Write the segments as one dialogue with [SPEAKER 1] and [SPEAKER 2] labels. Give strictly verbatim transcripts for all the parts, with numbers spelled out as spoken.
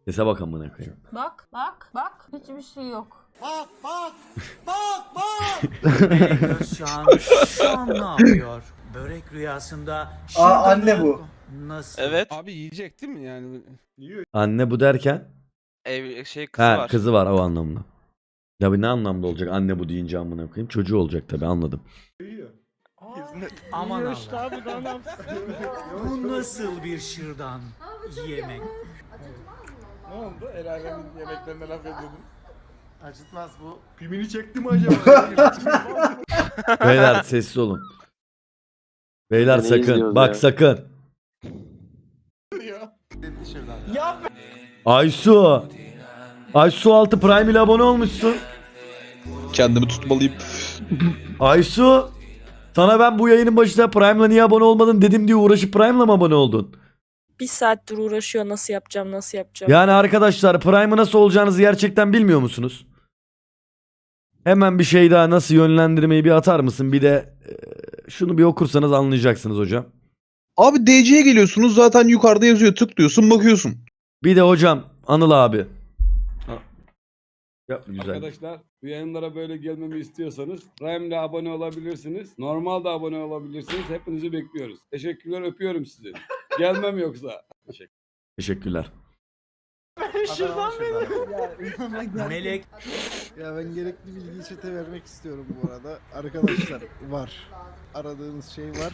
[SPEAKER 1] Sese bak amına koyayım.
[SPEAKER 2] Bak bak bak hiçbir şey yok.
[SPEAKER 3] Bak bak bak bak.
[SPEAKER 4] Melek Özçağan şu an ne yapıyor? Börek rüyasında...
[SPEAKER 5] Aa, anne bu.
[SPEAKER 4] Nasıl?
[SPEAKER 6] Evet.
[SPEAKER 7] Abi yiyecek değil mi yani?
[SPEAKER 1] Anne bu derken?
[SPEAKER 6] Ev şey kızı
[SPEAKER 1] Ha
[SPEAKER 6] var.
[SPEAKER 1] kızı var o anlamda. Ya bu ne anlamda olacak anne bu deyince amına koyayım. Çocuğu olacak tabii anladım.
[SPEAKER 4] Aman Allah. Bu nasıl bir şırdan yemek?
[SPEAKER 7] Ne oldu? El alemin yemeklerine laf ediyordun.
[SPEAKER 3] Acıtmaz bu.
[SPEAKER 7] Pimini çekti mi acaba?
[SPEAKER 1] Beyler sessiz olun. Beyler
[SPEAKER 8] Ne
[SPEAKER 1] sakın.
[SPEAKER 8] izliyoruz
[SPEAKER 1] Bak
[SPEAKER 8] ya?
[SPEAKER 1] sakın.
[SPEAKER 7] ya
[SPEAKER 1] Aysu. Aysu altı Prime ile abone olmuşsun.
[SPEAKER 8] Kendimi tutmalıyım.
[SPEAKER 1] Aysu. Sana ben bu yayının başında Prime'la niye abone olmadın dedim diye uğraşıp Prime'la mı abone oldun?
[SPEAKER 9] Bir saattir uğraşıyor nasıl yapacağım nasıl yapacağım.
[SPEAKER 1] Yani arkadaşlar Prime'ı nasıl olacağınızı gerçekten bilmiyor musunuz? Hemen bir şey daha nasıl yönlendirmeyi bir atar mısın? Bir de e, şunu bir okursanız anlayacaksınız hocam.
[SPEAKER 8] Abi D C'ye geliyorsunuz zaten yukarıda yazıyor, tıklıyorsun bakıyorsun.
[SPEAKER 1] Bir de hocam Anıl abi. Ha. Yapma güzel.
[SPEAKER 7] arkadaşlar bu yayınlara böyle gelmemi istiyorsanız Prime'le abone olabilirsiniz. Normalde abone olabilirsiniz. Hepinizi bekliyoruz. Teşekkürler, öpüyorum sizi. Gelmem yoksa.
[SPEAKER 1] Teşekkürler.
[SPEAKER 3] Şuradan beni.
[SPEAKER 4] Melek
[SPEAKER 10] Ya ben gerekli bilgiyi çete vermek istiyorum bu arada. Arkadaşlar var. Aradığınız şey var.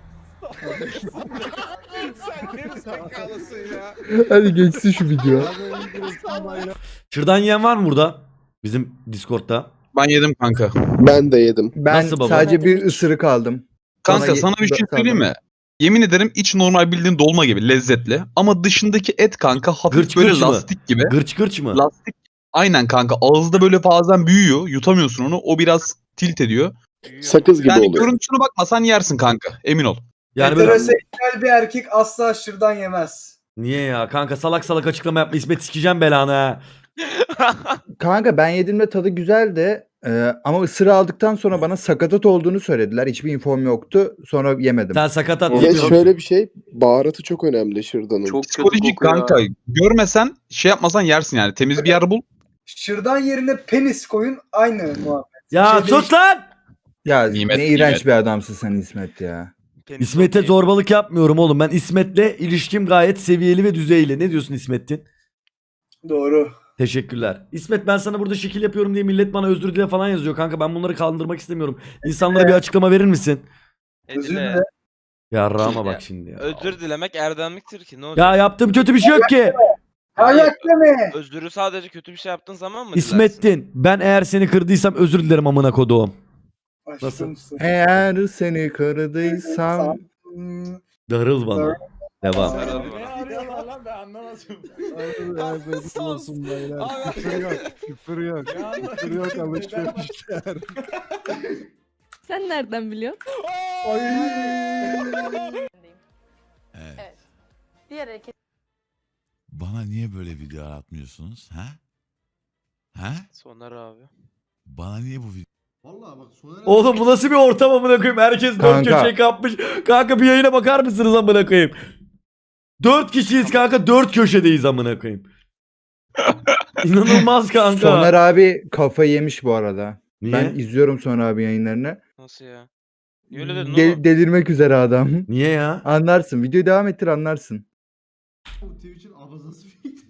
[SPEAKER 7] Sen geri sakalısın ya.
[SPEAKER 1] Hadi geçsin şu video. Şırdan yiyen var mı burada? Bizim Discord'da.
[SPEAKER 8] Ben yedim kanka.
[SPEAKER 10] Ben de yedim.
[SPEAKER 11] Ben
[SPEAKER 1] Nasıl baba?
[SPEAKER 11] sadece bir ısırık aldım.
[SPEAKER 8] Kanka
[SPEAKER 11] Bana
[SPEAKER 8] sana bir şey
[SPEAKER 11] ye-
[SPEAKER 8] söyleyeyim mi? Yemin ederim iç normal bildiğin dolma gibi lezzetli. Ama dışındaki et kanka hafif
[SPEAKER 1] Gırç
[SPEAKER 8] böyle
[SPEAKER 1] gırç mı?
[SPEAKER 8] lastik gibi.
[SPEAKER 1] Gırç gırç mı?
[SPEAKER 8] Lastik. Aynen kanka ağızda böyle bazen büyüyor. Yutamıyorsun onu. O biraz tilt ediyor.
[SPEAKER 10] Sakız gibi
[SPEAKER 8] Yani
[SPEAKER 10] oluyor.
[SPEAKER 8] görüntüsüne bakmasan yersin kanka. Emin ol.
[SPEAKER 1] Yani böyle...
[SPEAKER 5] Heteroseksüel bir erkek asla şırdan yemez.
[SPEAKER 1] Niye ya? Kanka salak salak açıklama yapma. İsmet sikeceğim belanı ha.
[SPEAKER 11] Kanka ben yediğimde tadı güzeldi. Ee, ama ısırığı aldıktan sonra bana sakatat olduğunu söylediler. Hiçbir infom yoktu. Sonra yemedim.
[SPEAKER 1] Sen sakatat
[SPEAKER 10] Ya
[SPEAKER 1] yemiyorsun.
[SPEAKER 10] şöyle bir şey, baharatı çok önemli şırdanın.
[SPEAKER 8] Çok psikolojik kanka. Görmesen şey yapmasan yersin yani. Temiz bir yer bul.
[SPEAKER 5] Şırdan yerine penis koyun aynı muhabbet.
[SPEAKER 1] Ya
[SPEAKER 5] Bir şey
[SPEAKER 1] sus lan!
[SPEAKER 11] Ya
[SPEAKER 8] Nimet,
[SPEAKER 11] ne iğrenç
[SPEAKER 8] nimet.
[SPEAKER 11] bir adamsın sen İsmet ya.
[SPEAKER 6] Penis
[SPEAKER 1] İsmet'e
[SPEAKER 6] okey.
[SPEAKER 1] zorbalık yapmıyorum oğlum. Ben İsmet'le ilişkim gayet seviyeli ve düzeyli. Ne diyorsun İsmet'in?
[SPEAKER 5] Doğru.
[SPEAKER 1] Teşekkürler. İsmet ben sana burada şekil yapıyorum diye millet bana özür dile falan yazıyor. Kanka ben bunları kaldırmak istemiyorum. İnsanlara bir açıklama verir misin?
[SPEAKER 5] Özür
[SPEAKER 6] Edile.
[SPEAKER 5] dile.
[SPEAKER 1] Ya Rama bak
[SPEAKER 6] Ya,
[SPEAKER 1] şimdi ya.
[SPEAKER 6] Özür dilemek erdemliktir ki ne olacak?
[SPEAKER 1] Ya yaptığım kötü bir şey yok ki.
[SPEAKER 5] Ayak deme.
[SPEAKER 6] Özürü sadece kötü bir şey yaptığın zaman mı
[SPEAKER 1] İsmet'tin. Ben eğer seni kırdıysam özür dilerim amına koduğum.
[SPEAKER 5] Aşkımsın.
[SPEAKER 11] Eğer seni kırdıysam
[SPEAKER 5] Hmm,
[SPEAKER 1] Darıl bana. Devam.
[SPEAKER 7] Ne arıyorlar lan ben anlamadım.
[SPEAKER 10] Evet, olsun beyler. Küfür yok, küfür yok. Küfür yok, alışverişler.
[SPEAKER 9] Sen nereden biliyorsun?
[SPEAKER 2] Evet. Diğer hareket.
[SPEAKER 3] Bana niye böyle video atmıyorsunuz? Ha? Ha?
[SPEAKER 6] Soner abi.
[SPEAKER 3] Bana niye bu video? Vallahi bak Soner
[SPEAKER 1] Oğlum bu nasıl bir ortam amına koyayım? Herkes dört
[SPEAKER 11] Kanka.
[SPEAKER 1] köşeye kapmış. Kanka bir yayına bakar mısınız amına koyayım? Dört kişiyiz kanka. Dört köşedeyiz amına koyayım. İnanılmaz kanka.
[SPEAKER 11] Soner abi kafayı yemiş bu arada.
[SPEAKER 1] Niye?
[SPEAKER 11] Ben izliyorum Soner abi yayınlarını.
[SPEAKER 6] Nasıl ya? Niye öyle dedin
[SPEAKER 11] De-
[SPEAKER 6] oğlum?
[SPEAKER 11] delirmek üzere adam.
[SPEAKER 1] Niye ya?
[SPEAKER 11] Anlarsın. Videoyu devam ettir anlarsın.
[SPEAKER 3] Twitch'in abazası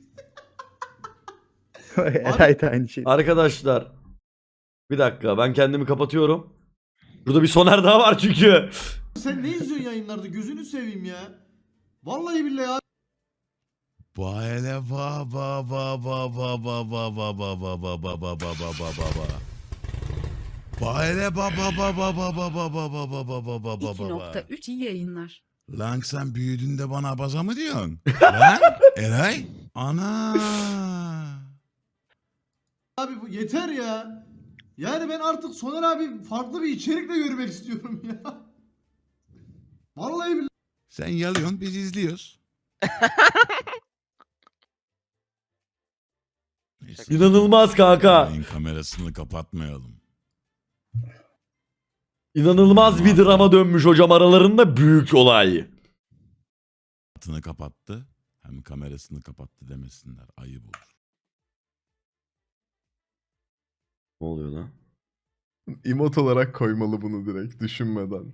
[SPEAKER 11] Eray da aynı şey.
[SPEAKER 1] Arkadaşlar. Bir dakika ben kendimi kapatıyorum. Burada bir Soner daha var çünkü.
[SPEAKER 3] Sen ne izliyorsun yayınlarda? Gözünü seveyim ya. Vallahi billahi ya. Ba hele ba ba ba ba ba ba ba ba ba ba ba ba ba ba ba ba ba ba. Ba hele ba ba ba ba ba ba ba ba ba ba ba ba ba ba
[SPEAKER 9] iki nokta üç iyi yayınlar.
[SPEAKER 3] Lan sen büyüdün de bana abaza mı diyorsun? Lan Eray? Ana. Abi bu yeter ya. Yani ben artık Soner abi farklı bir içerikle görmek istiyorum ya. Vallahi billahi. Sen yalıyorsun biz izliyoruz. Neyse.
[SPEAKER 1] İnanılmaz kanka.
[SPEAKER 3] Yayın kamerasını kapatmayalım.
[SPEAKER 1] İnanılmaz bir drama dönmüş hocam aralarında büyük olay.
[SPEAKER 3] Kapatını kapattı. Hem kamerasını kapattı demesinler. Ayıp olur.
[SPEAKER 1] Ne oluyor lan?
[SPEAKER 10] Emot olarak koymalı bunu direkt düşünmeden.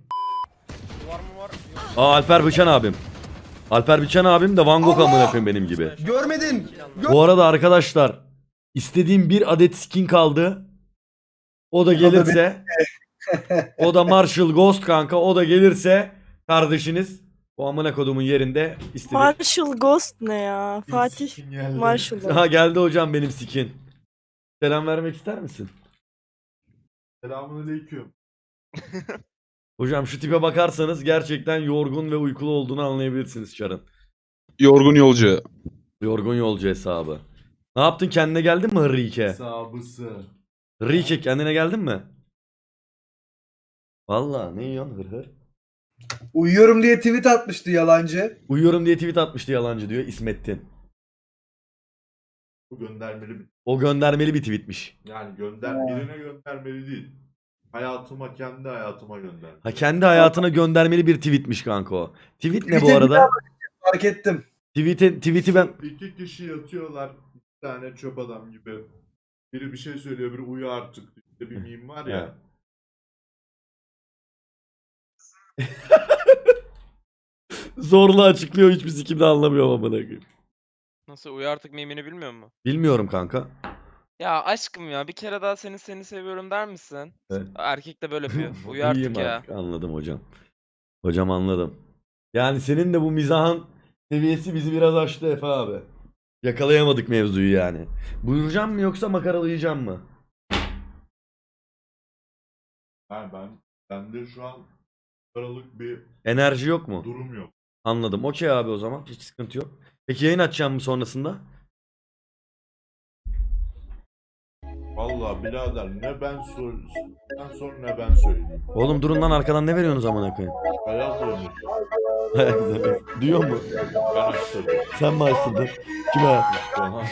[SPEAKER 1] Aa Alper Biçen abim. Alper Biçen abim de Van Gogh amına koyayım benim gibi.
[SPEAKER 10] Görmedin.
[SPEAKER 1] Bu arada arkadaşlar istediğim bir adet skin kaldı. O da gelirse o da Marshall Ghost kanka. O da gelirse kardeşiniz bu amına kodumun yerinde istediğim.
[SPEAKER 9] Marshall Ghost ne ya? Fatih Marshall.
[SPEAKER 1] Ha geldi hocam benim skin. Selam vermek ister misin?
[SPEAKER 10] Selamünaleyküm.
[SPEAKER 1] Hocam şu tipe bakarsanız gerçekten yorgun ve uykulu olduğunu anlayabilirsiniz Çar'ın.
[SPEAKER 8] Yorgun yolcu.
[SPEAKER 1] Yorgun yolcu hesabı. Ne yaptın, kendine geldin mi Rike?
[SPEAKER 10] Sabısı.
[SPEAKER 1] Rike kendine geldin mi? Valla ne yiyorsun hır hır?
[SPEAKER 5] Uyuyorum diye tweet atmıştı yalancı.
[SPEAKER 1] Uyuyorum diye tweet atmıştı yalancı diyor İsmettin.
[SPEAKER 10] Bu göndermeli bir...
[SPEAKER 1] O göndermeli bir tweetmiş.
[SPEAKER 10] Yani gönder birine göndermeli değil. Hayatıma, kendi hayatıma gönder.
[SPEAKER 1] Ha kendi hayatına göndermeli bir tweetmiş kanka o. Tweet ne bu
[SPEAKER 5] Tweet'e bir
[SPEAKER 1] arada?
[SPEAKER 5] daha Fark ettim.
[SPEAKER 1] Tweet'i tweet'i ben
[SPEAKER 10] İki kişi yatıyorlar. Bir tane çöp adam gibi. Biri bir şey söylüyor, biri uyu artık. İşte bir meme var ya.
[SPEAKER 1] zorla açıklıyor, hiçbir sikim de anlamıyorum amına koyayım.
[SPEAKER 6] Nasıl uyu artık mimini bilmiyor musun?
[SPEAKER 1] Bilmiyorum kanka.
[SPEAKER 6] Ya aşkım ya bir kere daha seni seni seviyorum der misin?
[SPEAKER 1] Evet.
[SPEAKER 6] Erkek de böyle yapıyor. Uyu
[SPEAKER 1] İyiyim
[SPEAKER 6] artık ya.
[SPEAKER 1] artık, anladım hocam. Hocam anladım. Yani senin de bu mizahın seviyesi bizi biraz aştı Efe abi. Yakalayamadık mevzuyu yani. Buyuracağım mı yoksa makaralayacağım mı?
[SPEAKER 10] Yani ben, bende şu an aralık bir
[SPEAKER 1] Enerji yok mu?
[SPEAKER 10] durum yok.
[SPEAKER 1] Anladım. Okey abi o zaman. Hiç sıkıntı yok. Peki yayın açacağım mı sonrasında?
[SPEAKER 10] Vallahi birader ne ben sor, sen sor ne ben söyleyeyim.
[SPEAKER 1] Oğlum durun lan, arkadan ne veriyorsunuz amına koyayım?
[SPEAKER 10] Hayat olmuş.
[SPEAKER 1] Duyuyor mu?
[SPEAKER 10] Ben açtım.
[SPEAKER 1] Sen mi açtın? Kime?
[SPEAKER 10] Aha.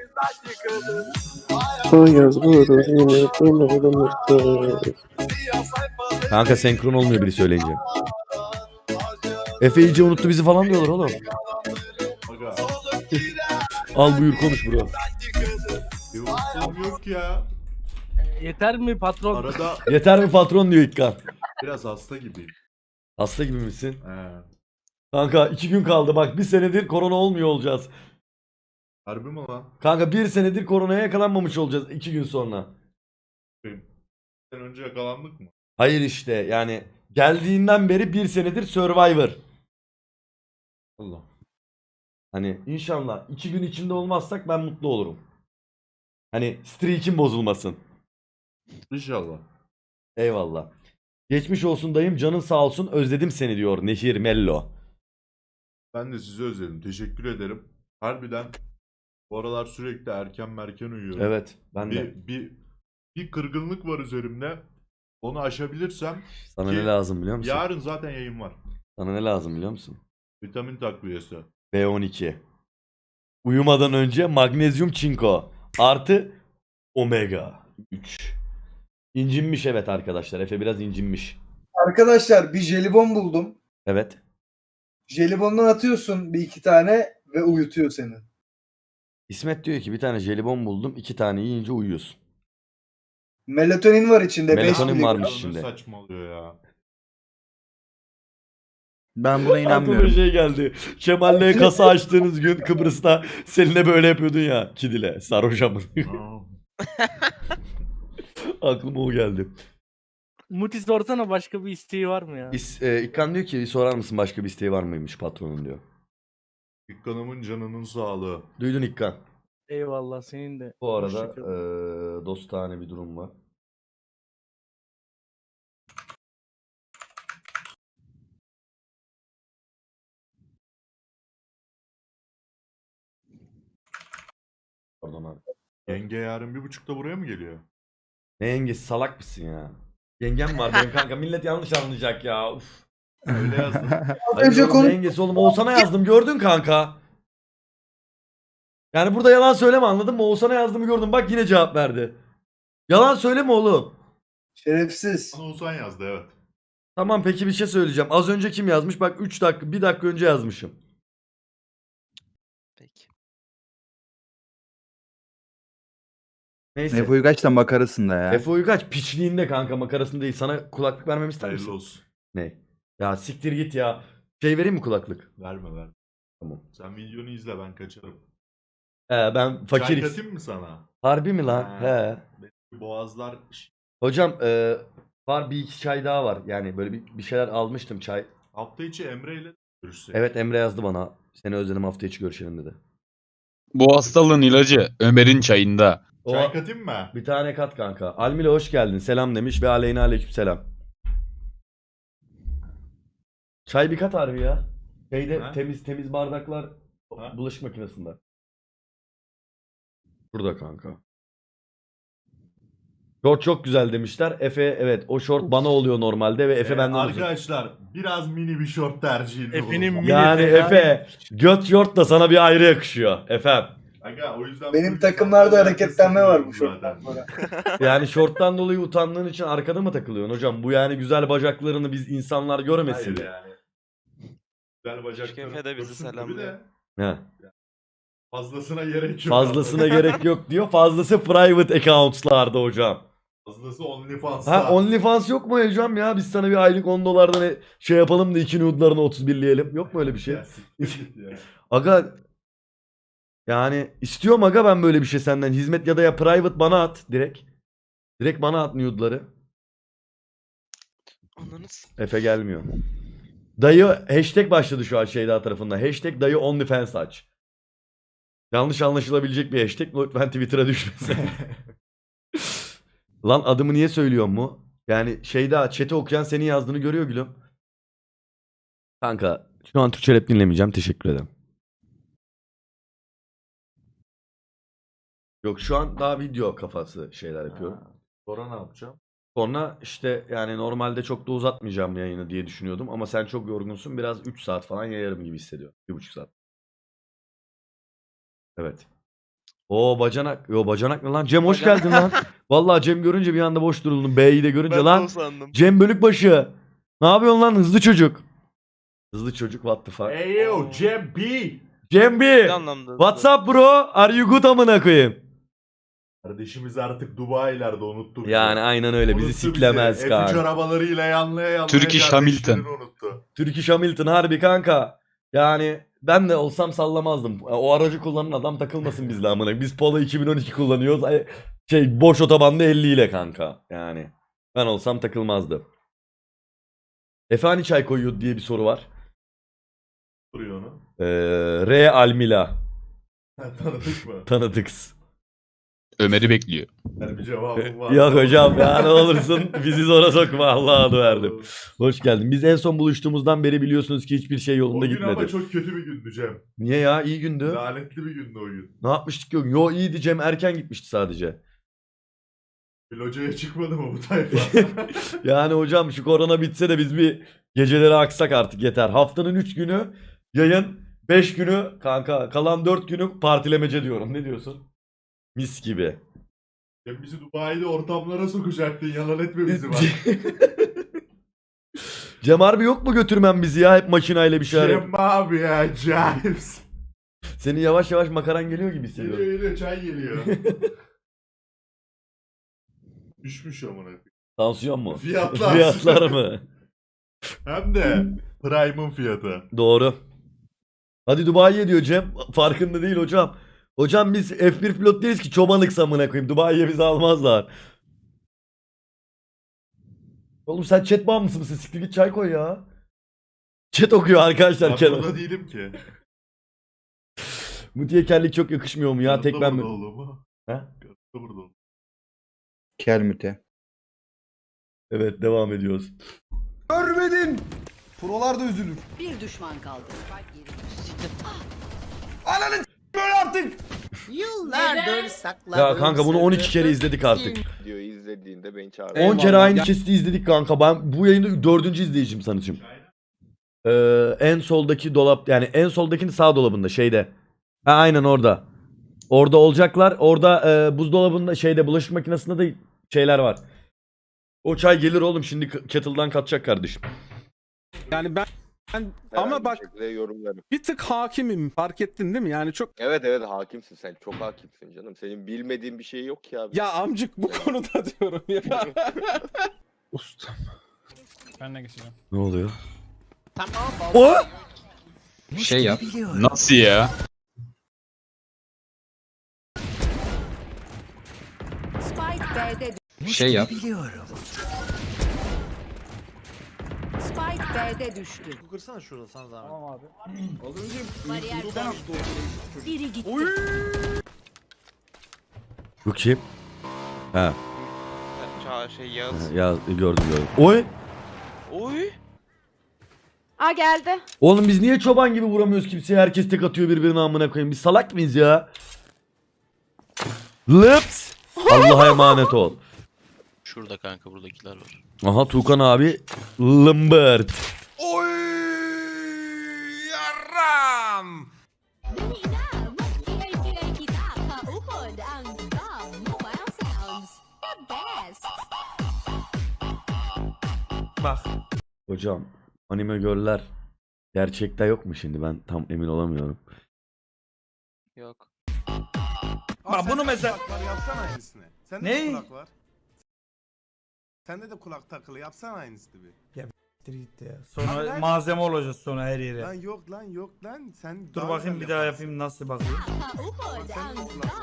[SPEAKER 1] Kanka senkron olmuyor biri söyleyince. Efe iyice unuttu bizi falan diyorlar oğlum.
[SPEAKER 10] Aga.
[SPEAKER 1] Al buyur konuş bro.
[SPEAKER 10] Bir unuttuğum yok ya.
[SPEAKER 12] Yeter mi patron?
[SPEAKER 10] Arada
[SPEAKER 1] Yeter mi patron diyor İkkan.
[SPEAKER 10] biraz hasta gibiyim.
[SPEAKER 1] Hasta gibi misin?
[SPEAKER 10] He.
[SPEAKER 1] Kanka iki gün kaldı bak, bir senedir korona olmuyor olacağız.
[SPEAKER 10] Harbi mi lan?
[SPEAKER 1] Kanka bir senedir koronaya yakalanmamış olacağız iki gün sonra.
[SPEAKER 10] Sen önce yakalandık mı?
[SPEAKER 1] Hayır işte yani geldiğinden beri bir senedir Survivor. Allah. Hani inşallah iki gün içinde olmazsak ben mutlu olurum. Hani streak'im bozulmasın.
[SPEAKER 10] İnşallah.
[SPEAKER 1] Eyvallah. Geçmiş olsun dayım, canın sağ olsun, özledim seni diyor Nehir Mello.
[SPEAKER 10] Ben de sizi özledim. Teşekkür ederim. Harbiden bu aralar sürekli erken merken uyuyorum.
[SPEAKER 1] Evet ben de.
[SPEAKER 10] Bir, bir, bir kırgınlık var üzerimde. Onu aşabilirsem
[SPEAKER 1] Sana
[SPEAKER 10] ki
[SPEAKER 1] ne lazım biliyor musun?
[SPEAKER 10] yarın zaten yayın var.
[SPEAKER 1] Sana ne lazım biliyor musun?
[SPEAKER 10] Vitamin takviyesi.
[SPEAKER 1] B on iki. Uyumadan önce magnezyum çinko artı omega üç. İncinmiş evet arkadaşlar. Efe biraz incinmiş.
[SPEAKER 5] Arkadaşlar bir jelibon buldum.
[SPEAKER 1] Evet.
[SPEAKER 5] Jelibondan atıyorsun bir iki tane ve uyutuyor seni.
[SPEAKER 1] İsmet diyor ki bir tane jelibon buldum, iki tane yiyince uyuyorsun.
[SPEAKER 5] Melatonin var içinde. beş
[SPEAKER 1] Melatonin
[SPEAKER 5] miligram.
[SPEAKER 1] varmış
[SPEAKER 10] Ne
[SPEAKER 1] içinde.
[SPEAKER 10] saçmalıyor ya.
[SPEAKER 11] Ben buna
[SPEAKER 1] Aklıma
[SPEAKER 11] inanmıyorum.
[SPEAKER 1] şey geldi. Kemal'le kasa açtığınız gün Kıbrıs'ta seninle böyle yapıyordun ya. Kidile. Sarhoş amın.
[SPEAKER 10] Aa.
[SPEAKER 1] Aklıma o geldi.
[SPEAKER 12] Muti sorsana, başka bir isteği var mı ya?
[SPEAKER 1] İs, e, İkkan diyor ki sorar mısın başka bir isteği var mıymış patronun diyor.
[SPEAKER 10] Dükkanımın canının sağlığı.
[SPEAKER 1] Duydun İkkan.
[SPEAKER 12] Eyvallah, senin de.
[SPEAKER 1] Bu arada
[SPEAKER 12] Hoşça kal.
[SPEAKER 1] e, dostane bir durum var. Pardon abi.
[SPEAKER 10] Yenge yarın bir buçukta buraya mı geliyor?
[SPEAKER 1] Ne yengesi, salak mısın ya? Yengem var benim kanka, millet yanlış anlayacak ya. Uf.
[SPEAKER 10] Öyle yazdım.
[SPEAKER 1] Hayır
[SPEAKER 5] Önce
[SPEAKER 1] oğlum,
[SPEAKER 5] konu-
[SPEAKER 1] ne yengesi oğlum, Oğuzhan'a yazdım gördün kanka. Yani burada yalan söyleme, anladın mı? Oğuzhan'a yazdığımı gördüm, bak yine cevap verdi. Yalan söyleme oğlum.
[SPEAKER 5] Şerefsiz.
[SPEAKER 10] Bana Oğuzhan yazdı evet.
[SPEAKER 1] Tamam peki bir şey söyleyeceğim. Az önce kim yazmış? Bak üç dakika bir dakika önce yazmışım.
[SPEAKER 6] Peki.
[SPEAKER 1] Neyse.
[SPEAKER 11] Efe Uygaç da makarasında ya.
[SPEAKER 1] Efe Uygaç piçliğinde kanka, makarasında değil. Sana kulaklık vermemi ister misin?
[SPEAKER 3] Hayırlı olsun.
[SPEAKER 1] Ne? Ya siktir git ya. Şey vereyim mi kulaklık?
[SPEAKER 3] Verme ver.
[SPEAKER 1] Tamam.
[SPEAKER 3] Sen videonu izle ben kaçarım.
[SPEAKER 1] He ben
[SPEAKER 3] Çay
[SPEAKER 1] fakiriz.
[SPEAKER 3] katayım mı sana?
[SPEAKER 1] Harbi mi lan?
[SPEAKER 3] Ha.
[SPEAKER 1] He.
[SPEAKER 3] Benim boğazlar
[SPEAKER 1] Hocam e, var bir iki çay daha var. Yani böyle bir, bir şeyler almıştım çay.
[SPEAKER 3] hafta içi Emre ile görüşsek.
[SPEAKER 1] Evet Emre yazdı bana. Seni özledim, hafta içi görüşelim dedi.
[SPEAKER 8] Bu hastalığın ilacı Ömer'in çayında.
[SPEAKER 1] O,
[SPEAKER 3] Çay katayım mı?
[SPEAKER 1] bir tane kat kanka. Almile hoş geldin. Selam demiş ve aleyna aleyküm selam. Çay bir kat harbi ya. Şeyde
[SPEAKER 3] Ha?
[SPEAKER 1] temiz temiz bardaklar
[SPEAKER 3] Ha?
[SPEAKER 1] bulaşık makinesinde. Burada kanka. Short çok güzel demişler. Efe evet o short bana oluyor normalde ve Efe
[SPEAKER 3] Ee,
[SPEAKER 1] benden uzun.
[SPEAKER 3] arkadaşlar biraz mini bir short tercihinde
[SPEAKER 12] Efe'nin
[SPEAKER 3] bulundum.
[SPEAKER 12] mini-
[SPEAKER 1] Yani
[SPEAKER 12] fena
[SPEAKER 1] Efe göt short da sana bir ayrı yakışıyor Efem.
[SPEAKER 3] Aga, o yüzden
[SPEAKER 5] Benim
[SPEAKER 3] bu
[SPEAKER 5] takımlarda
[SPEAKER 3] insanların
[SPEAKER 5] hareketlenme var bu
[SPEAKER 3] arkasındayım
[SPEAKER 5] şorttan sonra.
[SPEAKER 1] Yani şorttan dolayı utandığın için arkada mı takılıyorsun hocam? Bu yani güzel bacaklarını biz insanlar görmesin
[SPEAKER 3] Hayır
[SPEAKER 1] diye.
[SPEAKER 3] yani. Güzel bacaklarım.
[SPEAKER 6] Efe de bizi
[SPEAKER 3] görsün tabii
[SPEAKER 6] selamlıyor.
[SPEAKER 3] de
[SPEAKER 1] He.
[SPEAKER 3] Fazlasına gerek yok.
[SPEAKER 1] Fazlasına gerek yok diyor. Fazlası private accounts'larda hocam.
[SPEAKER 3] Fazlası OnlyFans'ta.
[SPEAKER 1] Ha OnlyFans yok mu hocam ya? Biz sana bir aylık on dolardan e- şey yapalım da iki nude'larını otuz birleyelim. Yok mu öyle bir şey?
[SPEAKER 3] Ya, siktir git ya.
[SPEAKER 1] Aga yani istiyorum aga ben böyle bir şey senden. Hizmet ya da ya private bana at direkt. Direkt bana at nude'ları.
[SPEAKER 6] Ananı s-
[SPEAKER 1] Efe gelmiyor. Dayı hashtag başladı şu an Şeyda tarafından. Hashtag dayı OnlyFans aç. Yanlış anlaşılabilecek bir hashtag. Lütfen Twitter'a düşmesin. Lan adımı niye söylüyor mu? Yani Şeyda chat'i okuyan senin yazdığını görüyor gülüm. Kanka şu an Türkçe rap dinlemeyeceğim. Teşekkür ederim. Yok şu an daha video kafası şeyler yapıyorum.
[SPEAKER 3] Sonra ne yapacağım?
[SPEAKER 1] Sonra işte yani normalde çok da uzatmayacağım yayını diye düşünüyordum. Ama sen çok yorgunsun. Biraz üç saat falan yayarım gibi hissediyorum. bir buçuk saat. Evet. O bacanak. Yo bacanak ne lan? Cem hoş
[SPEAKER 6] Bacanak.
[SPEAKER 1] geldin lan. Vallahi Cem görünce bir anda boş duruldum. B'yi de görünce
[SPEAKER 6] Ben de
[SPEAKER 1] lan.
[SPEAKER 6] o sandım.
[SPEAKER 1] Cem Bölükbaşı. Ne yapıyorsun lan hızlı çocuk? Hızlı çocuk what the fuck?
[SPEAKER 3] Hey yo Cem B.
[SPEAKER 1] Cem B.
[SPEAKER 6] Ne anlamda?
[SPEAKER 1] What's up bro? Are you good amına koyayım?
[SPEAKER 3] Kardeşimiz artık Dubai'lerde unuttu bizi.
[SPEAKER 1] Yani aynen öyle bizi
[SPEAKER 3] Unuttu
[SPEAKER 1] siklemez
[SPEAKER 3] F üç
[SPEAKER 1] kanka.
[SPEAKER 3] arabalarıyla yanlaya yanlaya
[SPEAKER 8] Turkish
[SPEAKER 3] kardeşlerini
[SPEAKER 8] Hamilton.
[SPEAKER 3] unuttu.
[SPEAKER 1] Turkish Hamilton harbi kanka. Yani ben de olsam sallamazdım. O aracı kullanan adam takılmasın bizle amına. Biz Polo iki bin on iki kullanıyoruz. Ay, Şey boş otobanda elli ile kanka. Yani ben olsam takılmazdım. Efe hani çay koyuyor diye bir soru var.
[SPEAKER 3] Duruyor onu.
[SPEAKER 1] Ee, R Almila.
[SPEAKER 3] Tanıdık mı?
[SPEAKER 1] Tanıdıks.
[SPEAKER 8] Ömer'i bekliyor.
[SPEAKER 3] Yani bir cevabım var.
[SPEAKER 1] Yok hocam ya ne olursun bizi zora sokma Allah'a adı verdim. Hoş geldin. Biz en son buluştuğumuzdan beri biliyorsunuz ki hiçbir şey
[SPEAKER 3] O
[SPEAKER 1] yolunda
[SPEAKER 3] gün ama
[SPEAKER 1] gitmedi.
[SPEAKER 3] çok kötü bir gündü Cem.
[SPEAKER 1] Niye ya iyi gündü.
[SPEAKER 3] Lanetli bir gündü o gün.
[SPEAKER 1] Ne yapmıştık yok. Yo iyiydi Cem erken gitmişti sadece.
[SPEAKER 3] Bir locaya çıkmadı mı bu tayfa?
[SPEAKER 1] Yani hocam şu korona bitse de biz bir geceleri aksak artık yeter. Haftanın üç günü yayın, beş günü kanka kalan dört günü partilemece diyorum. Ne diyorsun? Mis gibi.
[SPEAKER 3] Cem bizi Dubai'de ortamlara sokacaktın. Yalan etme bizi bak.
[SPEAKER 1] Cem harbi yok mu götürmem bizi ya hep makinayla bir şeyler.
[SPEAKER 3] Cem abi ya James.
[SPEAKER 1] Senin yavaş yavaş makaran geliyor gibi
[SPEAKER 3] Geliyor
[SPEAKER 1] hissediyorum.
[SPEAKER 3] geliyor çay geliyor. Düşmüş amına koyayım.
[SPEAKER 1] Tansiyon mu?
[SPEAKER 3] Fiyatlar.
[SPEAKER 1] Fiyatlar mı?
[SPEAKER 3] Hem de Prime'ın fiyatı.
[SPEAKER 1] Doğru. Hadi Dubai'ye diyor Cem. Farkında değil hocam. Hocam biz F bir pilot değiliz ki çobanlık samına koyayım. Dubai'ye bizi almazlar. Oğlum sen chat bağımlısı mısın? Siktir git çay koy ya. Chat okuyor arkadaşlar.
[SPEAKER 3] Ben
[SPEAKER 1] Kenan.
[SPEAKER 3] burada değilim ki.
[SPEAKER 1] Mutiye kellik çok yakışmıyor mu ya? Tek
[SPEAKER 3] Yanımda
[SPEAKER 1] ben mi?
[SPEAKER 3] burada oğlum.
[SPEAKER 1] He?
[SPEAKER 3] Yanımda burada oğlum.
[SPEAKER 11] Kelmüte.
[SPEAKER 1] Evet devam ediyoruz.
[SPEAKER 5] Görmedin. Prolar da üzülür.
[SPEAKER 2] Bir düşman kaldı.
[SPEAKER 5] Ananı böyle artık.
[SPEAKER 2] Yıllardır sakladım.
[SPEAKER 1] Ya kanka bunu on iki kere izledik artık.
[SPEAKER 13] Videoyu izlediğinde beni çağırdı.
[SPEAKER 1] on kere aynı kesti izledik kanka. Ben bu yayında dördüncü izleyicim sanırım. Ee, en soldaki dolap yani en soldakinin sağ dolabında şeyde. Ha aynen orada. Orada olacaklar. Orada e, buzdolabında şeyde bulaşık makinesinde de şeyler var. O çay gelir oğlum şimdi k- kettle'dan katacak kardeşim.
[SPEAKER 12] Yani ben
[SPEAKER 13] Herhangi
[SPEAKER 10] ama
[SPEAKER 13] bir
[SPEAKER 10] bak
[SPEAKER 13] şekilde yorumlarım.
[SPEAKER 10] bir tık hakimim fark ettin değil mi? Yani çok
[SPEAKER 13] Evet evet hakimsin sen. Çok hakimsin canım. Senin bilmediğin bir şey yok ki abi.
[SPEAKER 10] ya amcık bu konuda diyorum ya.
[SPEAKER 11] Ustam.
[SPEAKER 12] Ben de geçeceğim.
[SPEAKER 1] Ne oluyor?
[SPEAKER 2] Tamam.
[SPEAKER 1] O!
[SPEAKER 8] Şey yap. Nasıl ya?
[SPEAKER 2] Spike B'de
[SPEAKER 8] Şey yap.
[SPEAKER 2] Spike B'de düştü.
[SPEAKER 10] Kırsana şurada sana zahmet.
[SPEAKER 12] Tamam abi.
[SPEAKER 2] Bariyer biri gitti.
[SPEAKER 1] Bu kim? Ha,
[SPEAKER 6] Ça şey Yağız.
[SPEAKER 1] ya gördüm gördüm. Oy!
[SPEAKER 6] Oy.
[SPEAKER 9] Aa geldi.
[SPEAKER 1] Oğlum biz niye çoban gibi vuramıyoruz kimseye? Herkes tek atıyor birbirine amına koyayım. Biz salak mıyız ya? Lips! Allah'a emanet ol.
[SPEAKER 12] Şurada kanka buradakiler var.
[SPEAKER 1] Aha Tuğkan abi lımbırt.
[SPEAKER 3] Oy yaram.
[SPEAKER 12] Bak.
[SPEAKER 1] Hocam anime göller gerçekte yok mu şimdi? Ben tam emin olamıyorum.
[SPEAKER 6] Yok.
[SPEAKER 12] Bak bunu mesela-
[SPEAKER 3] Kulaklar yapsana aynısını. Sende
[SPEAKER 12] Ne?
[SPEAKER 3] de kulak var. Sende de kulak takılı yapsana aynısını bir.
[SPEAKER 12] Gitti ya.
[SPEAKER 3] Abi
[SPEAKER 12] Sonra
[SPEAKER 3] lan-
[SPEAKER 12] malzeme olacağız sonra her yere.
[SPEAKER 3] Lan yok lan yok lan. Sen
[SPEAKER 12] Dur
[SPEAKER 3] daha
[SPEAKER 12] bakayım
[SPEAKER 3] güzel
[SPEAKER 12] bir daha
[SPEAKER 3] yaparsın.
[SPEAKER 12] yapayım nasıl bakayım.
[SPEAKER 3] Bak sende de kulak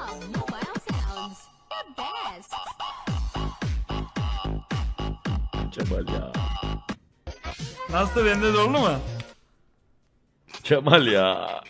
[SPEAKER 3] var.
[SPEAKER 1] Kemal ya.
[SPEAKER 12] Nasıl bende de oldu mu?
[SPEAKER 1] Kemal ya.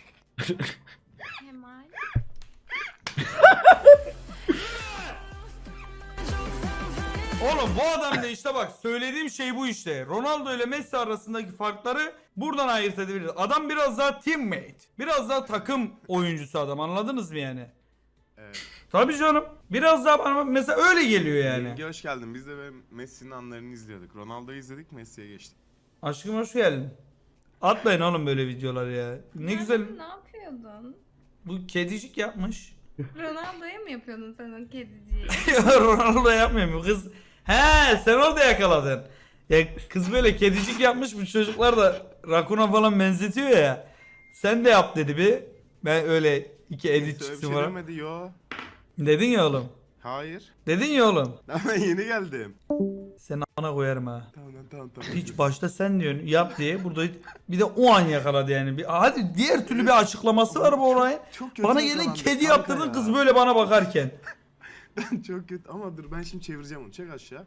[SPEAKER 12] Oğlum bu adam da işte bak söylediğim şey bu işte. Ronaldo ile Messi arasındaki farkları buradan ayırt edebiliriz. Adam biraz daha teammate. Biraz daha takım oyuncusu adam anladınız mı yani?
[SPEAKER 3] Evet.
[SPEAKER 12] Tabii canım. Biraz daha bana mesela öyle geliyor yani.
[SPEAKER 3] Yenge hoş geldin. Biz de böyle Messi'nin anlarını izliyorduk. Ronaldo'yu izledik, Messi'ye geçtik.
[SPEAKER 12] Aşkım hoş geldin. Atmayın oğlum böyle videolar ya. Ne güzel.
[SPEAKER 9] Ne yapıyordun?
[SPEAKER 12] Bu kedicik yapmış.
[SPEAKER 9] Ronaldo'ya mı yapıyordun sen o kediciyi?
[SPEAKER 12] Ronaldo yapmıyor mu kız? He sen orada yakaladın. Ya kız böyle kedicik yapmış bu çocuklar da rakuna falan benzetiyor ya. Sen de yap dedi bir. Ben öyle iki edit
[SPEAKER 3] Messi öyle bir
[SPEAKER 12] çıktı
[SPEAKER 3] şey
[SPEAKER 12] falan.
[SPEAKER 3] demedi yo.
[SPEAKER 12] Dedin ya oğlum.
[SPEAKER 3] Hayır.
[SPEAKER 12] Dedin ya oğlum.
[SPEAKER 3] Ben yeni geldim.
[SPEAKER 12] Sen ana koyarım ha.
[SPEAKER 3] Tamam tamam tamam.
[SPEAKER 12] Hiç başta sen diyorsun yap diye burada bir de o an yakaladı yani. Bir, hadi diğer türlü bir açıklaması var bu olayın.
[SPEAKER 3] Çok kötü
[SPEAKER 12] Bana gelin
[SPEAKER 3] yakalandık
[SPEAKER 12] kedi
[SPEAKER 3] kanka
[SPEAKER 12] yaptırdın
[SPEAKER 3] ya.
[SPEAKER 12] kız böyle bana bakarken.
[SPEAKER 3] Ben çok kötü ama dur ben şimdi çevireceğim onu. Çek aşağı.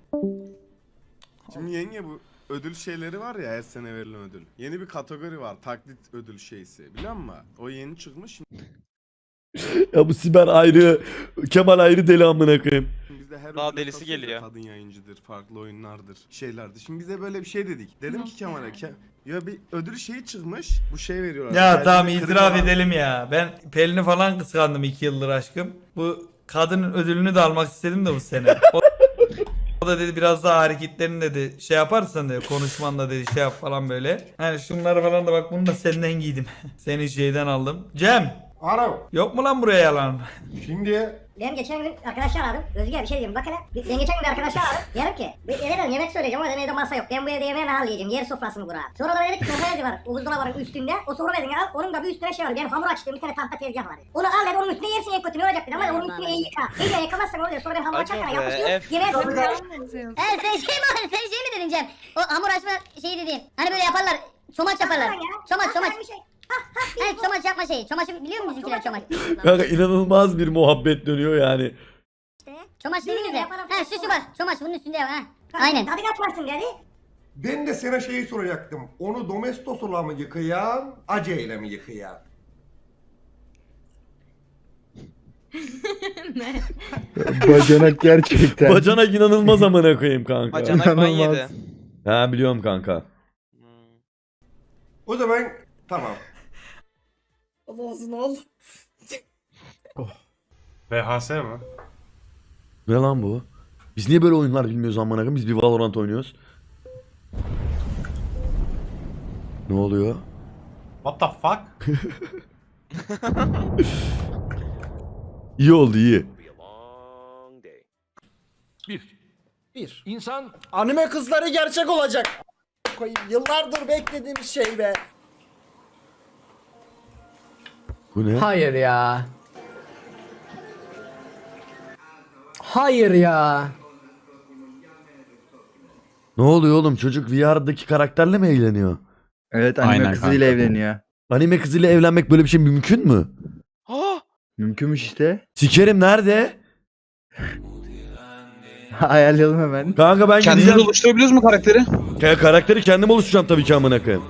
[SPEAKER 3] Şimdi yenge bu ödül şeyleri var ya her sene verilen ödül. Yeni bir kategori var. Taklit ödül şeysi. Biliyor musun? O yeni çıkmış.
[SPEAKER 1] Ya bu Siber ayrı, Kemal ayrı deli amına koyayım.
[SPEAKER 3] Şimdi bizde her
[SPEAKER 6] Daha
[SPEAKER 3] ödüle
[SPEAKER 6] delisi
[SPEAKER 3] kasıyoruz ya,
[SPEAKER 6] geliyor.
[SPEAKER 3] Kadın yayıncıdır, farklı oyunlardır, şeylerdir. Şimdi bize böyle bir şey dedik. Dedim ki Kemal'e Ke ya bir ödül şeyi çıkmış. Bu şey veriyorlar.
[SPEAKER 12] Ya
[SPEAKER 3] Kendine
[SPEAKER 12] tamam
[SPEAKER 3] klima
[SPEAKER 12] itiraf
[SPEAKER 3] var.
[SPEAKER 12] edelim ya. Ben Pelin'i falan kıskandım iki yıldır aşkım. Bu kadının ödülünü de almak istedim de bu sene. O, o da dedi biraz daha hareketlerini dedi şey yaparsan dedi konuşmanla dedi şey yap falan böyle. Hani şunları falan da bak bunu da senden giydim. Seni şeyden aldım. Cem
[SPEAKER 10] Alo.
[SPEAKER 12] yok mu lan buraya yalan?
[SPEAKER 10] Şimdi
[SPEAKER 2] Benim geçen gün arkadaşlar aradım. Özgür bir şey diyeyim. Bak hele. Ben geçen gün bir arkadaşlar aradım. Diyorum ki. Eve dedim yemek söyleyeceğim ama evde masa yok. Ben bu evde yemeği nasıl yiyeceğim? Yer sofrasını kur abi. Sonra da dedi ki sofra bezi var. O buzdolabının üstünde. O sofra bezini al. Onun da bir üstüne şey var. Benim hamur açtığım bir tane tahta tezgah var. Onu al dedi. Onun üstüne yersin en kötü ne olacak dedi. Ama onun üstüne iyi yıka. İyice yıkamazsan oluyor. Sonra ben hamur
[SPEAKER 6] Acaba
[SPEAKER 2] açarken
[SPEAKER 6] be,
[SPEAKER 2] yapışıyor.
[SPEAKER 6] F.
[SPEAKER 2] Yemeğe
[SPEAKER 9] Tamam.
[SPEAKER 2] dönüyor. Evet sen şey mi sen şey mi dedin Cem? O hamur açma şeyi dediğin. Hani böyle yaparlar. Çomaç yaparlar. Çomaç çomaç. Evet çomaç yapma şeyi. Çomaçı biliyor musun bizimkiler çomaç?
[SPEAKER 1] Kanka inanılmaz bir muhabbet dönüyor yani.
[SPEAKER 2] Çomaç dediniz ya. Ha şu şu bak. Çomaç bunun üstünde ya. Ha. Aynen. Tadı kaçmasın dedi.
[SPEAKER 10] ben de sana şeyi soracaktım. Onu domestosla mı yıkayan, aceyle mi yıkayan?
[SPEAKER 11] Bacanak gerçekten.
[SPEAKER 1] Bacanak inanılmaz amına koyayım kanka.
[SPEAKER 6] Bacanak ban
[SPEAKER 11] İnanılmaz.
[SPEAKER 6] yedi.
[SPEAKER 1] Ha biliyorum kanka.
[SPEAKER 6] Hmm.
[SPEAKER 10] O zaman tamam.
[SPEAKER 9] Olsun ol.
[SPEAKER 3] V H S mi?
[SPEAKER 1] Ne lan bu? Biz niye böyle oyunlar bilmiyoruz amına koyayım? Biz bir Valorant oynuyoruz. Ne oluyor?
[SPEAKER 3] What the fuck?
[SPEAKER 1] İyi oldu iyi.
[SPEAKER 10] Bir. İnsan anime kızları gerçek olacak. koyayım. Yıllardır beklediğimiz şey be.
[SPEAKER 1] Bu ne?
[SPEAKER 10] Hayır ya. Hayır ya.
[SPEAKER 1] Ne oluyor oğlum? Çocuk V R'daki karakterle mi eğleniyor?
[SPEAKER 11] Evet anime
[SPEAKER 8] Aynen
[SPEAKER 11] kızıyla
[SPEAKER 8] kanka.
[SPEAKER 11] evleniyor.
[SPEAKER 1] Anime kızıyla evlenmek böyle bir şey mümkün mü?
[SPEAKER 6] Ha!
[SPEAKER 11] Mümkünmüş işte.
[SPEAKER 1] Sikerim nerede?
[SPEAKER 11] Ayarlayalım hemen.
[SPEAKER 1] Kanka ben
[SPEAKER 8] Kendiniz
[SPEAKER 1] gideceğim.
[SPEAKER 8] oluşturabiliyoruz mu karakteri?
[SPEAKER 1] Ka- karakteri kendim oluşturacağım tabii ki amına koyayım.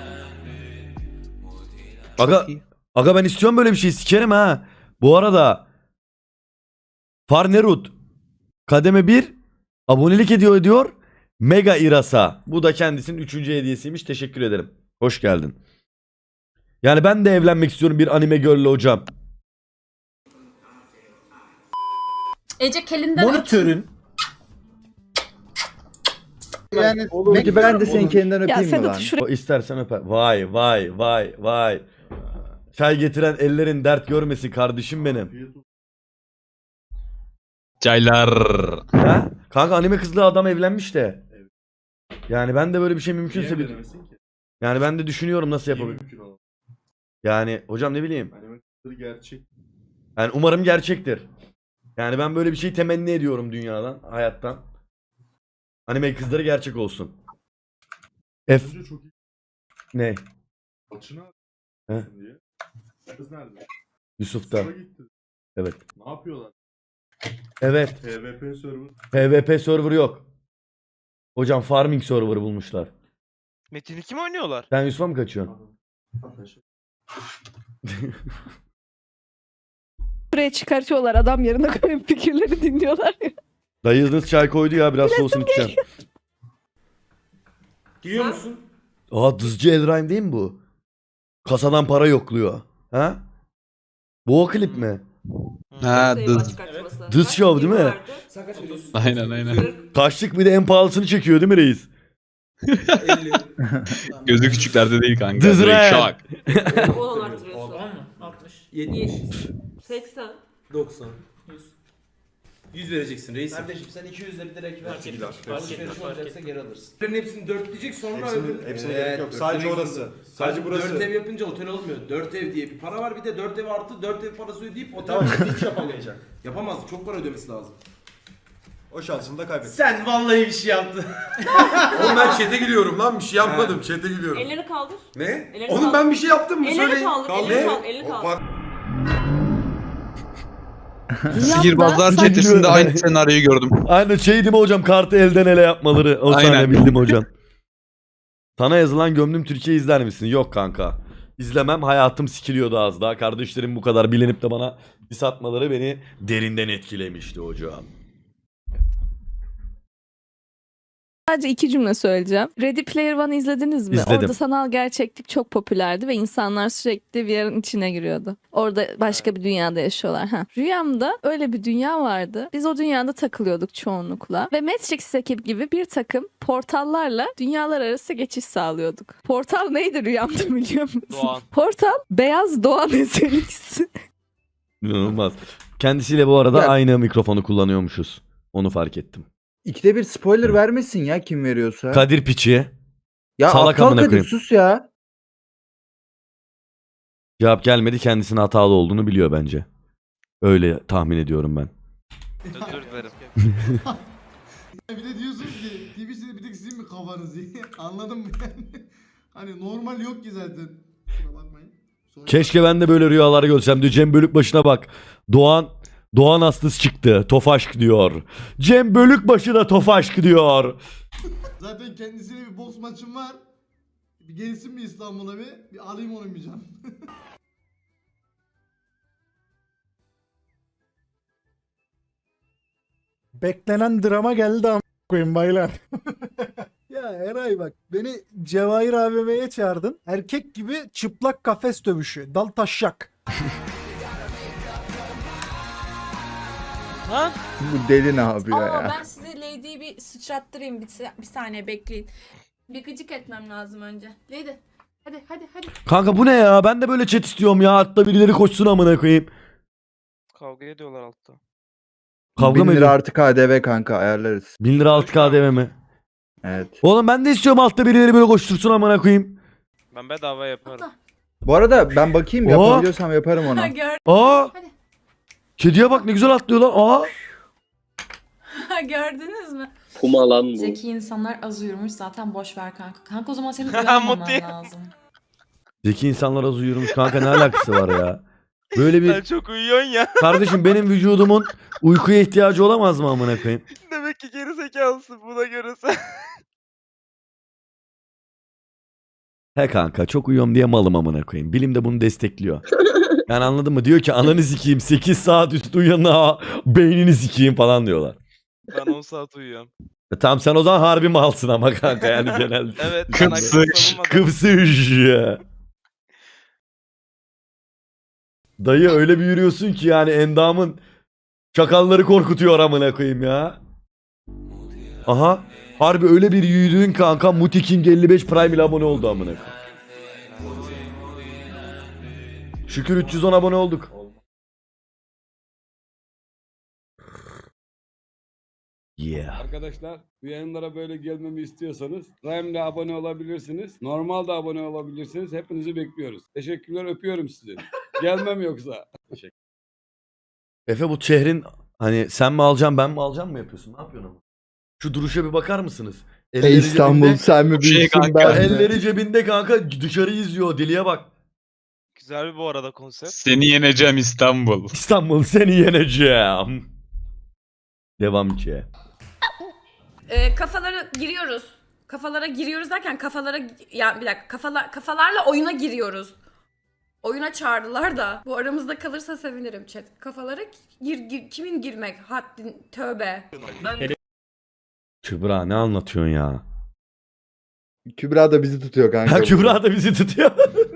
[SPEAKER 1] Aga,
[SPEAKER 8] iyi.
[SPEAKER 1] aga ben istiyorum böyle bir şey, sikerim ha. Bu arada Farnerud kademe bir abonelik ediyor diyor. Mega Irasa. Bu da kendisinin üçüncü hediyesiymiş. Teşekkür ederim. Hoş geldin. Yani ben de evlenmek istiyorum bir anime girl'le hocam.
[SPEAKER 9] Ece kelinden
[SPEAKER 10] Monitörün.
[SPEAKER 11] Yani peki ben de senin kendinden
[SPEAKER 9] Ya
[SPEAKER 11] öpeyim mi
[SPEAKER 9] Sedat
[SPEAKER 11] lan?
[SPEAKER 9] şuraya
[SPEAKER 1] O istersen öper. Vay vay vay vay. Çay getiren ellerin dert görmesin kardeşim benim.
[SPEAKER 8] Caylar.
[SPEAKER 1] Ha? Kanka anime kızlı adam evlenmiş de. Yani ben de böyle bir şey mümkünse bir... Yani ben de düşünüyorum nasıl yapabilirim. Yani hocam ne bileyim.
[SPEAKER 3] Gerçek.
[SPEAKER 1] Yani umarım gerçektir. Yani ben böyle bir şey temenni ediyorum dünyadan, hayattan. Anime kızları gerçek olsun. F
[SPEAKER 3] Çok iyi.
[SPEAKER 1] ne?
[SPEAKER 3] Açına
[SPEAKER 1] He?
[SPEAKER 3] diye. Kız nerede?
[SPEAKER 1] Yusuf'ta.
[SPEAKER 3] Kıza gitti.
[SPEAKER 1] Evet.
[SPEAKER 3] Ne yapıyorlar?
[SPEAKER 1] Evet.
[SPEAKER 3] PvP server.
[SPEAKER 1] PvP server yok. Hocam farming server bulmuşlar.
[SPEAKER 6] Metin iki mi oynuyorlar?
[SPEAKER 1] Sen Yusuf'a mı kaçıyorsun?
[SPEAKER 9] şuraya çıkartıyorlar. Adam yerine koyup fikirleri dinliyorlar ya.
[SPEAKER 1] Dayınız çay koydu ya, biraz soğusun içeceğim.
[SPEAKER 10] Giriyor musun?
[SPEAKER 1] Aa, Dızcı Elrain değil mi bu? Kasadan para yokluyor. Ha? Bu o klip mi?
[SPEAKER 8] Ha, dız.
[SPEAKER 1] Dız Show değil mi?
[SPEAKER 10] Sen kaç veriyorsun?
[SPEAKER 8] Aynen aynen.
[SPEAKER 1] Kaçlık bir de en pahalısını çekiyor değil mi reis?
[SPEAKER 10] elli.
[SPEAKER 8] Gözü küçüklerde değil kanka.
[SPEAKER 1] Dız
[SPEAKER 8] Direkt
[SPEAKER 1] Ren.
[SPEAKER 8] şak.
[SPEAKER 10] on artırıyorsun. Tamam mı? altmış. yetmiş.
[SPEAKER 9] seksen.
[SPEAKER 10] doksan. yüz. yüz vereceksin reis. Kardeşim sen iki yüzle bir direkt ver. Alışveriş olacaksa geri alırsın. Bunların hepsini dörtleyecek sonra öbür...
[SPEAKER 3] Hepsine gerek yok. Sadece orası. Sadece burası.
[SPEAKER 10] Dört ev yapınca otel olmuyor. Dört ev diye bir para var. Bir de dört ev artı dört ev parası ödeyip otel hiç yapamayacak. Yapamaz. Çok para ödemesi lazım.
[SPEAKER 3] O şansını da kaybettin.
[SPEAKER 10] Sen vallahi bir şey yaptın.
[SPEAKER 3] Oğlum ben chat'e giriyorum lan, bir şey yapmadım. Chat'e giriyorum.
[SPEAKER 9] Elleri kaldır.
[SPEAKER 3] Ne?
[SPEAKER 9] Ellerini
[SPEAKER 3] Oğlum
[SPEAKER 9] kaldır.
[SPEAKER 3] ben bir şey yaptım mı?
[SPEAKER 9] Ellerini
[SPEAKER 3] Söyleyin.
[SPEAKER 9] kaldır,
[SPEAKER 3] Kaldı.
[SPEAKER 9] ellerini
[SPEAKER 3] Ne?
[SPEAKER 9] kaldır, ellerini
[SPEAKER 3] O
[SPEAKER 9] kaldır.
[SPEAKER 3] par-
[SPEAKER 8] Sihirbazlar
[SPEAKER 1] Sanki
[SPEAKER 8] çetesinde
[SPEAKER 1] böyle-
[SPEAKER 8] aynı senaryoyu gördüm.
[SPEAKER 1] Aynen şey değil mi hocam, kartı elden ele yapmaları. O sahne
[SPEAKER 8] Aynen.
[SPEAKER 1] bildim hocam. Sana yazılan Gömdüm Türkiye izler misin? Yok kanka. İzlemem, hayatım sikiliyordu az daha. Kardeşlerim bu kadar bilinip de bana diss atmaları beni derinden etkilemişti hocam.
[SPEAKER 9] Sadece iki cümle söyleyeceğim. Ready Player One'ı izlediniz mi?
[SPEAKER 1] İzledim.
[SPEAKER 9] Orada sanal gerçeklik çok popülerdi ve insanlar sürekli V R'ın içine giriyordu. Orada başka bir dünyada yaşıyorlar. Ha. Rüyamda öyle bir dünya vardı. Biz o dünyada takılıyorduk çoğunlukla. Ve Matrix ekip gibi bir takım portallarla dünyalar arası geçiş sağlıyorduk. Portal neydi rüyamda biliyor musun?
[SPEAKER 6] Doğan.
[SPEAKER 9] Portal Beyaz Doğan eserisi.
[SPEAKER 1] İnanılmaz. Kendisiyle bu arada
[SPEAKER 11] Ya-
[SPEAKER 1] aynı mikrofonu kullanıyormuşuz. Onu fark ettim.
[SPEAKER 11] İkide bir spoiler vermesin ya kim veriyorsa.
[SPEAKER 1] Kadir Piçi.
[SPEAKER 11] ya
[SPEAKER 1] salak
[SPEAKER 11] aptal
[SPEAKER 1] amına
[SPEAKER 11] Kadir
[SPEAKER 1] koyayım.
[SPEAKER 11] sus ya.
[SPEAKER 1] Cevap gelmedi, kendisinin hatalı olduğunu biliyor bence. Öyle tahmin ediyorum ben.
[SPEAKER 6] Özür dilerim.
[SPEAKER 3] Bir de diyorsunuz ki Twitch'te bir tek sizin mi kafanız iyi? Anladım mı yani? Hani normal yok ki zaten. Kusura bakmayın. Sonra-
[SPEAKER 1] Keşke ben de böyle rüyalar görsem diyor. Cem Bölükbaşı'na bak. Doğan Doğan Aslıs çıktı. Tofaşk diyor. Cem Bölükbaşı da Tofaşk diyor.
[SPEAKER 3] Zaten kendisiyle bir boks maçım var. Bir gelsin bir İstanbul'a bir. Bir alayım onu bir can.
[SPEAKER 10] Beklenen drama geldi am koyayım baylar. Ya Eray bak beni Cevahir A V M'ye çağırdın. Erkek gibi çıplak kafes dövüşü. Dal taşak.
[SPEAKER 6] Lan
[SPEAKER 11] Bu deli ne yapıyor
[SPEAKER 9] Aa,
[SPEAKER 11] ya?
[SPEAKER 9] ben size Lady'yi bir sıçrattırayım. Bir, bir saniye bekleyin. Bir gıcık etmem lazım önce. Lady hadi hadi hadi.
[SPEAKER 1] Kanka bu ne ya? Ben de böyle chat istiyorum ya. Hatta birileri koşsun amına koyayım.
[SPEAKER 6] kavga ediyorlar altta.
[SPEAKER 1] Kavga
[SPEAKER 11] Bin
[SPEAKER 1] mı
[SPEAKER 11] lira
[SPEAKER 1] ediyor?
[SPEAKER 11] artı K D V kanka ayarlarız.
[SPEAKER 1] bin lira altı K D V mi?
[SPEAKER 11] Evet.
[SPEAKER 1] Oğlum ben de istiyorum altta birileri böyle koştursun amına koyayım.
[SPEAKER 6] Ben bedava yaparım.
[SPEAKER 11] Bu arada ben bakayım
[SPEAKER 1] Oo.
[SPEAKER 11] yapabiliyorsam yaparım onu.
[SPEAKER 1] Aa! Kediye bak ne güzel atlıyor lan. Aa!
[SPEAKER 9] Gördünüz mü?
[SPEAKER 13] Puma lan bu.
[SPEAKER 9] Zeki insanlar az uyurmuş zaten boş ver kanka. Kanka o zaman senin
[SPEAKER 6] uyanmaman
[SPEAKER 9] lazım.
[SPEAKER 1] Zeki insanlar az uyurmuş kanka ne alakası var ya? Böyle bir
[SPEAKER 6] Sen çok uyuyorsun ya.
[SPEAKER 1] kardeşim benim vücudumun uykuya ihtiyacı olamaz mı amına koyayım?
[SPEAKER 6] Demek ki geri zekalısın buna göre sen.
[SPEAKER 1] He kanka çok uyuyorum diye malım amına koyayım. Bilim de bunu destekliyor. Yani anladın mı? Diyor ki ananı sikeyim sekiz saat üstü uyanına beynini sikeyim falan diyorlar.
[SPEAKER 6] Ben on saat uyuyorum.
[SPEAKER 1] E tamam sen o zaman harbi malsın ama kanka yani genelde.
[SPEAKER 6] Evet. ben
[SPEAKER 8] Kıpsış,
[SPEAKER 6] hakkımı savunmadım.
[SPEAKER 1] Kıpsış ya. Dayı öyle bir yürüyorsun ki yani endamın çakalları korkutuyor amına koyayım ya. Aha. Harbi öyle bir yürüdün kanka Muti King elli beş Prime ile abone oldu amına koyayım. Şükür üç yüz on abone olduk. Yeah.
[SPEAKER 7] Arkadaşlar bu yayınlara böyle gelmemi istiyorsanız Prime'le abone olabilirsiniz. Normal da abone olabilirsiniz. Hepinizi bekliyoruz. Teşekkürler, öpüyorum sizi. Gelmem yoksa.
[SPEAKER 1] Efe bu şehrin hani sen mi alacaksın ben mi alacağım mı yapıyorsun? Ne yapıyorsun ama? Şu duruşa bir bakar mısınız? Elleri
[SPEAKER 11] Ey İstanbul
[SPEAKER 1] cebinde-
[SPEAKER 11] sen mi
[SPEAKER 8] Şey
[SPEAKER 11] büyüksün
[SPEAKER 8] kanka,
[SPEAKER 11] ben mi?
[SPEAKER 1] Elleri cebinde kanka dışarı izliyor deliye bak.
[SPEAKER 6] Güzel bir bu arada konsept.
[SPEAKER 8] Seni yeneceğim İstanbul.
[SPEAKER 1] İstanbul seni yeneceğim. Devam ki.
[SPEAKER 9] Ee, kafalara giriyoruz. Kafalara giriyoruz derken kafalara ya bir dakika kafalar kafalarla oyuna giriyoruz. Oyuna çağırdılar da bu aramızda kalırsa sevinirim chat. Kafalara gir, gir- kimin girmek? Haddin tövbe.
[SPEAKER 1] Kübra ne anlatıyorsun ya?
[SPEAKER 11] Kübra da bizi tutuyor kanka.
[SPEAKER 1] Ha Kübra da bizi tutuyor.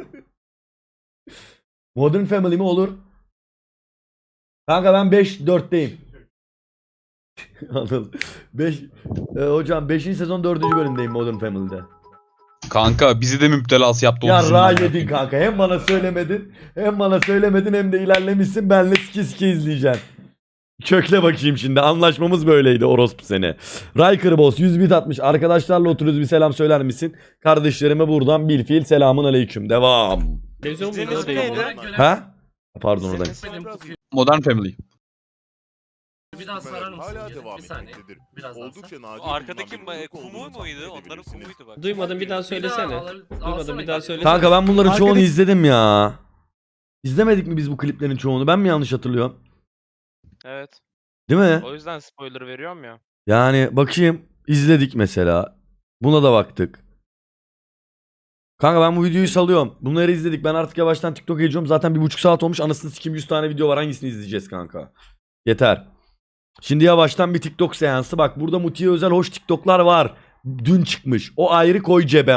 [SPEAKER 1] Modern Family mi olur? Kanka ben beş dörtteyim. Anladım. beş e, hocam beşinci sezon dördüncü bölümdeyim Modern Family'de.
[SPEAKER 8] Kanka bizi de müptelası yaptı. o
[SPEAKER 1] Ya
[SPEAKER 8] dizinin
[SPEAKER 1] ra
[SPEAKER 8] amına
[SPEAKER 1] yedin
[SPEAKER 8] koyayım.
[SPEAKER 1] kanka. Hem bana söylemedin, hem bana söylemedin hem de ilerlemişsin. Benle sike sike izleyeceksin. Kökle bakayım şimdi. Anlaşmamız böyleydi orospu seni. Riker Boss yüz bit atmış. Arkadaşlarla oturuyoruz bir selam söyler misin? Kardeşlerime buradan bir fiil selamun aleyküm. Devam.
[SPEAKER 6] İzlediğiniz ismi neydi?
[SPEAKER 1] Ha? Pardon oradan.
[SPEAKER 8] Modern Family.
[SPEAKER 3] Bir daha sarar mısın? Hala devam etmektedir. Oldukça nadir.
[SPEAKER 6] Arkadaki ma- kumu muydu? Onların kumuydu bak.
[SPEAKER 12] Duymadım bir daha söylesene. Duymadım bir daha söylesene.
[SPEAKER 1] Kanka ben bunların çoğunu
[SPEAKER 10] Arkadaki-
[SPEAKER 1] izledim ya. İzlemedik mi biz bu kliplerin çoğunu? Ben mi yanlış hatırlıyorum?
[SPEAKER 6] Evet.
[SPEAKER 1] Değil mi?
[SPEAKER 6] O yüzden spoiler veriyorum ya.
[SPEAKER 1] Yani bakayım izledik mesela. Buna da baktık. Kanka ben bu videoyu salıyorum. Bunları izledik. Ben artık yavaştan TikTok'a geçiyorum. Zaten bir buçuk saat olmuş. Anasını sikeyim yüz tane video var. Hangisini izleyeceğiz kanka? Yeter. Şimdi yavaştan bir TikTok seansı. Bak burada Muti'ye özel hoş TikTok'lar var. Dün çıkmış. O ayrı koy cebe.